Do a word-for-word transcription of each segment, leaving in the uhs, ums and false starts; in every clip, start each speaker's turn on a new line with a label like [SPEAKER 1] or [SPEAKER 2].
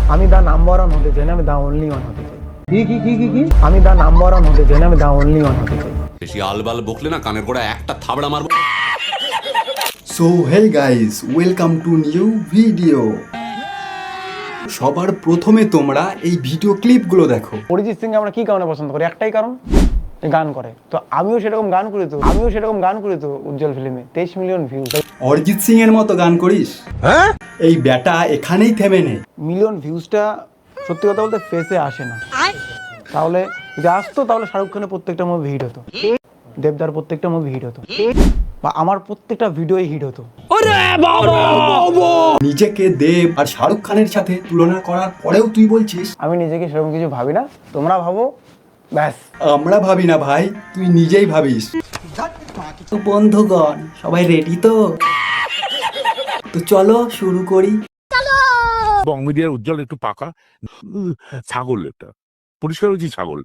[SPEAKER 1] আমি the number one হতে চাই না, আমি দা অনলি ওয়ান হতে চাই। কি কি কি কি কি আমি দা নাম্বার ওয়ান হতে চাই না, আমি দা অনলি ওয়ান হতে চাই।
[SPEAKER 2] বেশি আলবাল বকলে না কানের গোড়া একটা থাবড়া মারবো।
[SPEAKER 3] So hey guys, welcome to new video. সবার প্রথমে তোমরা এই ভিডিও ক্লিপগুলো দেখো।
[SPEAKER 1] অরিজিৎ সিং আমরা কি কারণে পছন্দ করি? একটাই কারণ, গান করে। তো আমিও সেরকম গান করি তো আমিও সেরকম গান করি তো উজ্জ্বল ফিল্মে তেইশ মিলিয়ন ভিউ।
[SPEAKER 3] অরিজিৎ সিং এর মতো গান করিস? হ্যাঁ, এই ব্যাটা এখানেই থেমে নে।
[SPEAKER 1] মিলিয়ন ভিউজটা সত্যি কথা বলতে ফেসে আসে না। তাহলে যদি আসতো তাহলে শাহরুখ খানের প্রত্যেকটা মুভি হিট হতো, দেবদার প্রত্যেকটা মুভি হিট হতো, বা আমার প্রত্যেকটা ভিডিওই হিট হতো।
[SPEAKER 3] নিজেকে দেব আর শাহরুখ খানের সাথে তুলনা করার পরেও তুই বলছিস?
[SPEAKER 1] আমি নিজেকে সেরকম কিছু ভাবি না, তোমরা ভাবো ব্যাস।
[SPEAKER 3] আমরা ভাবি না ভাই, তুই নিজেই ভাবিস। তো বন্ধুগণ সবাই রেডি তো? তো চলো শুরু করি।
[SPEAKER 4] বং মিডিয়ার উজ্জ্বল একটু পাকা ছাগল, এটা পরিষ্কার হয়েছি ছাগল।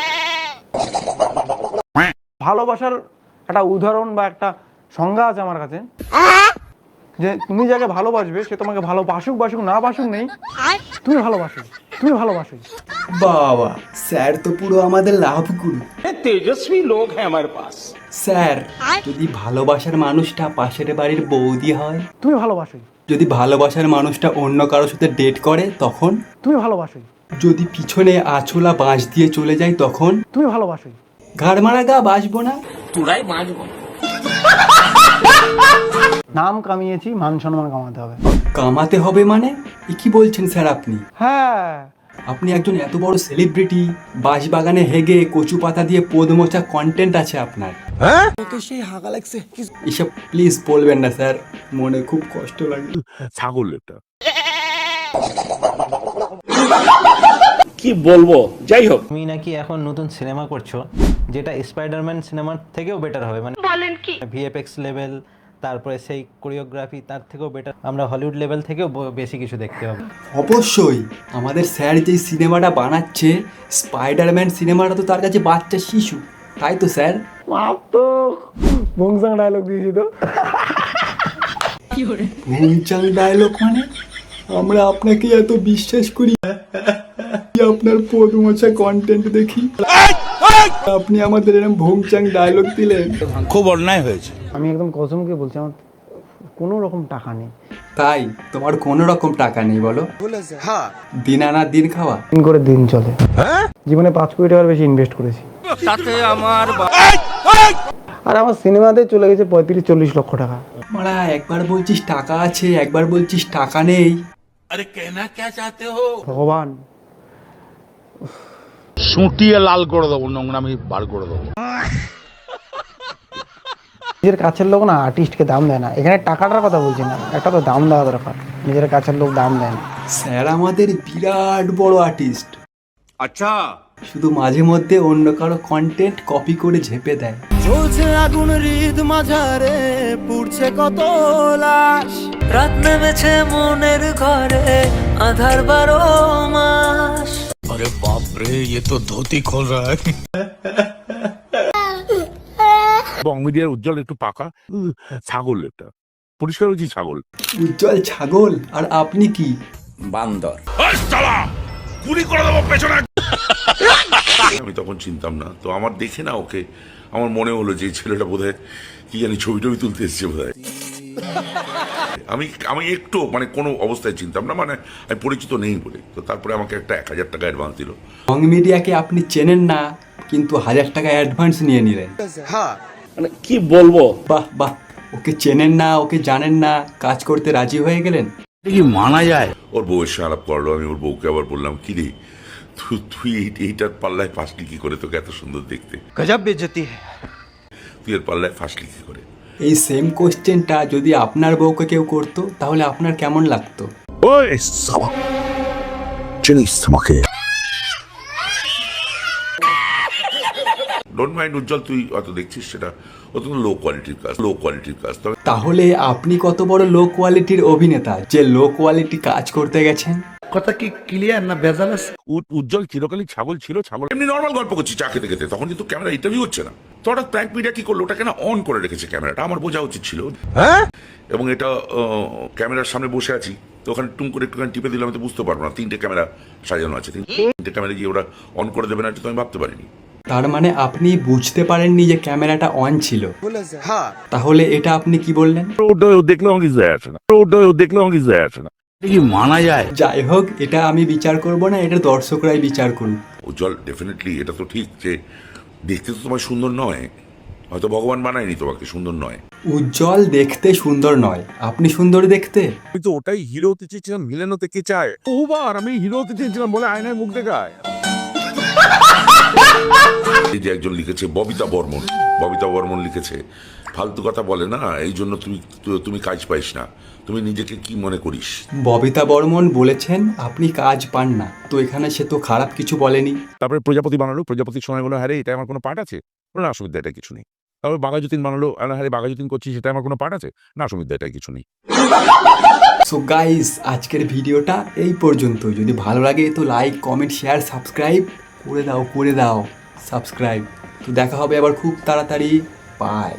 [SPEAKER 1] ভালোবাসার একটা উদাহরণ বা একটা সংজ্ঞা আছে আমার কাছে, যে তুমি যাকে ভালোবাসবে সে তোমাকে ভালোবাসুক বাসুক না বাসুক নেই, তুমি ভালোবাসো, তুমি ভালোবাসো।
[SPEAKER 3] বাবা, স্যার তো পুরো আমাদের লাভ গুরু।
[SPEAKER 5] तेजस्वी लोग हैं हमारे पास।
[SPEAKER 3] স্যার, যদি ভালোবাসার মানুষটা পাশের বাড়ির বৌদি হয়,
[SPEAKER 1] তুমি ভালোবাসো,
[SPEAKER 3] যদি ভালোবাসার মানুষটা অন্য কারোর সাথে ডেট করে তখন,
[SPEAKER 1] তুমি ভালোবাসো,
[SPEAKER 3] যদি পিছনে আঁচলা বাঁশ দিয়ে চলে যায় তখন,
[SPEAKER 1] তুমি ভালোবাসো।
[SPEAKER 3] ঘাড় মারা গা বাসবো না?
[SPEAKER 5] तुड़ाई बांझबो।
[SPEAKER 1] নাম কামিয়েছি, মান সম্মান কামাতে হবে।
[SPEAKER 3] কামাতে হবে মানে এ কি বলছেন স্যার আপনি?
[SPEAKER 1] হ্যাঁ,
[SPEAKER 3] আপনি একজন এত বড় সেলিব্রিটি, বাঁশবাগানে হেগে কচু পাতা দিয়ে পদ মোচা কন্টেন্ট আছে আপনার। হ্যাঁ, এসব প্লিজ বলবেন না স্যার, মনে খুব কষ্ট লাগে।
[SPEAKER 4] ছাগল এটা।
[SPEAKER 5] কি বলবো, যাই হোক।
[SPEAKER 6] তুমি নাকি এখন নতুন সিনেমা করছো যেটা স্পাইডারম্যান সিনেমার থেকেও বেটার হবে, মানে বলেন কি ভিএফএক্স লেভেল, তারপরে সেই কোরিওগ্রাফি তার থেকেও বেটার, আমরা হলিউড লেভেল থেকেও ব- বেশি কিছু দেখতে হবে।
[SPEAKER 3] অবশ্যই আমাদের স্যার যেই সিনেমাটা বানাচ্ছে, স্পাইডারম্যান সিনেমাটা তো তার কাছে বাচ্চা শিশু, তাই তো স্যার?
[SPEAKER 1] মাপ তো বংসাং ডায়লগ দিয়েছি তো।
[SPEAKER 3] ভুংচাং ডায়লগ মানে? আমরা আপনাকে এত বিশ্বাস করি, আপনার পদ মোচা কন্টেন্ট দেখি, আপনি আমাদের এরকম ভুংচাং ডায়লগ দিলেন।
[SPEAKER 5] খুব অন্যায় হয়েছে।
[SPEAKER 1] আমি একদম কসমকে বলছি, আমার কোনো রকম টাকা নেই।
[SPEAKER 3] তাই তোমার কোনো রকম টাকা নেই বলো? দিন আনা দিন খাওয়া।
[SPEAKER 1] দিন করে দিন চলে। জীবনে পাঁচ কোটি টাকার বেশি ইনভেস্ট করেছি,
[SPEAKER 5] তাতে আমার
[SPEAKER 1] আর আমার সিনেমাতে চলে গেছে পঁয়ত্রিশ চল্লিশ লক্ষ টাকা।
[SPEAKER 3] মারা, একবার বলছিস টাকা আছে, একবার বলছিস টাকা নেই।
[SPEAKER 5] আরে কেনা কে চাতে হো?
[SPEAKER 1] ভগবান,
[SPEAKER 4] সুটিয়ে লাল করে দেবো, নোংরামি বার করে দেবো।
[SPEAKER 1] নিজের কাছের লোক না আর্টিস্টকে দাম দেয় না। এখানে টাকাটার কথা বলছি না, একটা তো দাম দেওয়া দরকার। নিজের কাছের লোক দাম দেয় না।
[SPEAKER 3] স্যার আমাদের বিরাট বড় আর্টিস্ট,
[SPEAKER 2] আচ্ছা,
[SPEAKER 3] শুধু মাঝে মধ্যে অন্য কারো কন্টেন্ট কপি করে ঝেপে দেয়।
[SPEAKER 7] চলছে আগুন হৃদ মাঝারে, পুড়ছে কত লাশ, রাত নেমেছে মনের ঘরে, আধার বারো মাস।
[SPEAKER 5] अरे बाप रे, ये तो धोती खोल रहा है।
[SPEAKER 4] বং মিডিয়ার উজ্জ্বল একটু পাকা ছাগল, এটা পরিষ্কার হয়েছি ছাগল।
[SPEAKER 3] উজ্জ্বল ছাগল, আর আপনি কি?
[SPEAKER 5] বান্দর।
[SPEAKER 4] গুলি করে দেবো পেছনে।
[SPEAKER 8] আমি তখন চিনতাম না, তো আমার দেখে না ওকে আমার মনে হলো যে এই ছেলেটা বোধহয় কি জানি ছবি টবি তুলতে এসছে বোধহয়। আমি আমি একটু মানে কোনো অবস্থায় চিনতাম না, মানে আমি পরিচিত নেই বলে। তো তারপরে আমাকে একটা এক হাজার টাকা অ্যাডভান্স দিল।
[SPEAKER 3] বং মিডিয়াকে আপনি চেনেন না, কিন্তু হাজার টাকা অ্যাডভান্স নিয়ে নিলেন।
[SPEAKER 5] মানে কি বলবো।
[SPEAKER 3] বাহ বাহ, ওকে চেনেন না, ওকে জানেন না, কাজ করতে রাজি হয়ে গেলেন।
[SPEAKER 4] কি মানা যায়?
[SPEAKER 8] ওর বউয়ের সঙ্গে আলাপ করলো, আমি ওর বউকে আবার বললাম, কি রে তুই তুই এই- এইটার পাল্লায় ফাঁসলি কি করে? তোকে এত সুন্দর দেখতে,
[SPEAKER 7] গজব বেজতি।
[SPEAKER 8] তুই এর পাল্লায় ফাঁসলি কি করে?
[SPEAKER 3] এই সেম কোশ্চেনটা যদি আপনার বউকে কেউ করতো তাহলে আপনার কেমন লাগতো?
[SPEAKER 4] ওই সাবা চিনিস আমাকে?
[SPEAKER 8] ডোন্ট মাইন্ড উজ্জ্বল, তুই অত দেখছিস সেটা অত্যন্ত লো কোয়ালিটির কাজ, লো কোয়ালিটির কাজ। তবে
[SPEAKER 3] তাহলে আপনি কত বড় লো কোয়ালিটির অভিনেতা যে লো কোয়ালিটি কাজ করতে গেছেন?
[SPEAKER 5] কথা কি ক্লিয়ার না ভেজাল আছে?
[SPEAKER 4] উ- উজ্জ্বল চিরকালই ছাগল ছিল, ছাগল
[SPEAKER 8] এমনি নর্মাল গল্প করছি চা খেতে খেতে, তখন কিন্তু ক্যামেরা ইন্টারভিউ হচ্ছে না। তো হঠাৎ প্র্যাঙ্ক মিডিয়া কি করলো, ওটাকে না অন করে রেখেছে ক্যামেরাটা, আমার বোঝা উচিত ছিল। এবং এটা আহ, ক্যামেরার সামনে বসে আছি, তো ওখানে টুম করে একটুখানি টিপে দিলাম, আমি তো বুঝতে পারবো না তিনটে ক্যামেরা সাজানো আছে, তিনটে ক্যামেরা গিয়ে ওরা অন করে দেবে না, এটা তো আমি ভাবতে পারিনি।
[SPEAKER 3] তার মানে আপনি বুঝতে পারেননি যে ক্যামেরাটা অন ছিল, তাহলে এটা আপনি কি বললেন?
[SPEAKER 4] ওটা ও দেখলে আমার কিছু যায় আসে না, ওটা ও দেখলে আমার কিছু যায় আসে না।
[SPEAKER 5] কি মানা যায়?
[SPEAKER 3] যাই হোক, এটা আমি বিচার করব না, এটা দর্শকরাই বিচার করুন।
[SPEAKER 8] উজ্জ্বল ডেফিনেটলি এটা তো ঠিক যে দেখতে তো তোমার সুন্দর নয়, হয়তো ভগবান বানায়নি তোমাকে সুন্দর নয়।
[SPEAKER 3] উজ্জ্বল দেখতে সুন্দর নয়, আপনি সুন্দর দেখতে।
[SPEAKER 4] আমি তো ওটাই হিরো হতে চেয়েছিলাম, ভিলেন হতে কে চায়? ওবার আমি হিরো হতে চেয়েছিলাম বলে আয়নায় মুখ দেখায়।
[SPEAKER 8] এই যে একজন লিখেছে ববিতা বর্মন, ববিতা বর্মন লিখেছে ফালতু কথা বলে না, এই জন্য তুমি তুমি কাজ পাইস না, তুমি নিজেকে কি মনে করিস?
[SPEAKER 3] ববিতা বর্মন বলেছেন আপনি কাজ পান না, তো এখানে সে তো খারাপ কিছু বলেনি।
[SPEAKER 4] তারপরে প্রজাপতি বানালো, প্রজাপতির সময় বললো হ্যাঁ রে, এটা আমার কোনো পার্ট আছে? না, অসুবিধা এটা কিছু নেই। তারপর বাঘাযতীন বানালো, হ্যাঁ রে বাঘাযতীন করছি, সেটা আমার কোনো পার্ট আছে? না, অসুবিধা এটা কিছু নেই।
[SPEAKER 3] সো গাইস, আজকের ভিডিওটা এই পর্যন্ত। যদি ভালো লাগে তো লাইক, কমেন্ট, শেয়ার, সাবস্ক্রাইব করে দাও করে দাও সাবস্ক্রাইব। তো দেখা হবে আবার খুব তাড়াতাড়ি। বাই।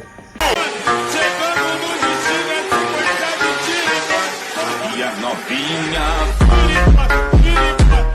[SPEAKER 8] novinha.